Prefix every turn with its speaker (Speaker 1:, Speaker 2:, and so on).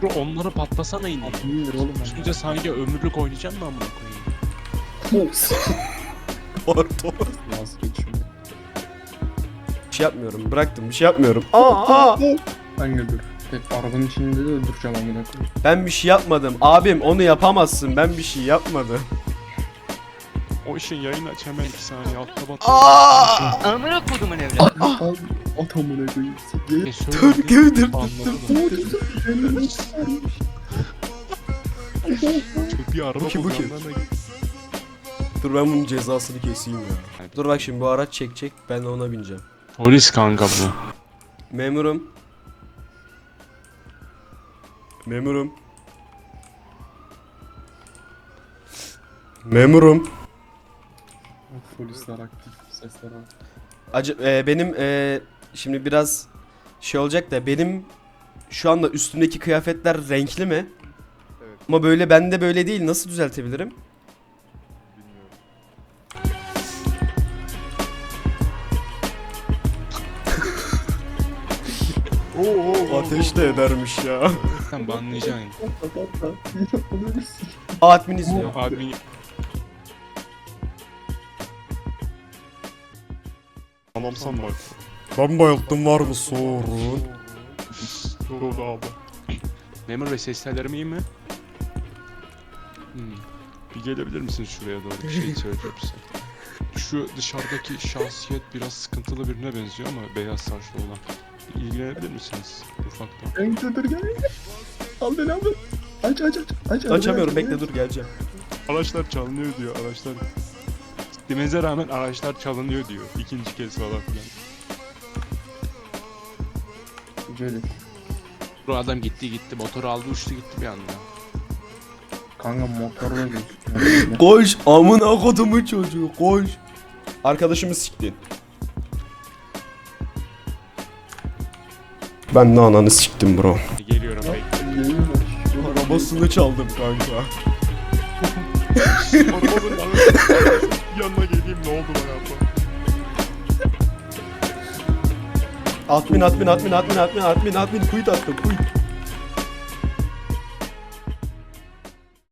Speaker 1: Bro onları patlasana yine.
Speaker 2: 1000 lira oğlum.
Speaker 1: Üstünce sanki ömürlük oynayacağım mı amına koyayım?
Speaker 3: Pardon.
Speaker 2: Vazgeç şunu.
Speaker 3: Bir şey yapmıyorum. Bıraktım. Bir şey yapmıyorum. Aa!
Speaker 2: Kanka dur. Hep arabanın içinde de öldüreceğim amına koyayım.
Speaker 3: Ben bir şey yapmadım. Abim onu yapamazsın. Ben bir şey yapmadım.
Speaker 1: O işin yayın aç hemen 2 saniye altta bat.
Speaker 3: Aa!
Speaker 4: Amına kodumun evladı.
Speaker 2: Abi at amına koyayım.
Speaker 3: Dur gövdür.
Speaker 1: Anladım. Bir araba
Speaker 3: Bu kim, bu kim?
Speaker 1: kullanana
Speaker 3: Dur ben bunun cezasını keseyim ya. Dur bak şimdi bu araç çekecek. Ben de ona bineceğim.
Speaker 1: Polis kanka bu.
Speaker 3: Memurum. Memurum. Memurum.
Speaker 2: Polisler aktif. Sesler var.
Speaker 3: Benim şimdi biraz şey olacak da benim şu anda üstümdeki kıyafetler renkli mi?
Speaker 5: Evet.
Speaker 3: Ama böyle bende böyle değil. Nasıl düzeltebilirim?
Speaker 1: Oo.
Speaker 3: Ateş de edermiş ya.
Speaker 1: Sen banlayacaksın.
Speaker 3: Admin izliyor.
Speaker 1: Admin Anamsan bak.
Speaker 3: Ben bayılttım var mı sorun?
Speaker 1: Doğru abi. Memur Bey ses tellerim iyi mi? Bir gelebilir misin şuraya doğru bir şey söyleyeceğim size. Şu dışarıdaki şahsiyet biraz sıkıntılı birine benziyor ama beyaz saçlı olan. Bir İlgilenebilir misiniz ufaktan?
Speaker 2: Kanka dur gel. Al beni abi. Aç.
Speaker 3: Açamıyorum bekle dur geleceğim.
Speaker 1: Araçlar çalınıyor diyor araçlar. Demenize rağmen araçlar çalınıyor diyor. İkinci kez falan filan.
Speaker 2: Böyle.
Speaker 1: Bu adam gitti motoru aldı uçtu gitti bir anda.
Speaker 2: Kanka motorla gözüküyor.
Speaker 3: Koş amına kodumun çocuğu koş. Arkadaşımı siktin. Ben de ananı siktim bro.
Speaker 1: Geliyorum bekle.
Speaker 3: Arabasını çaldım kanka.
Speaker 1: Arabanın yanına geleyim ne oldu bana abla?
Speaker 3: Admin quit attım quit.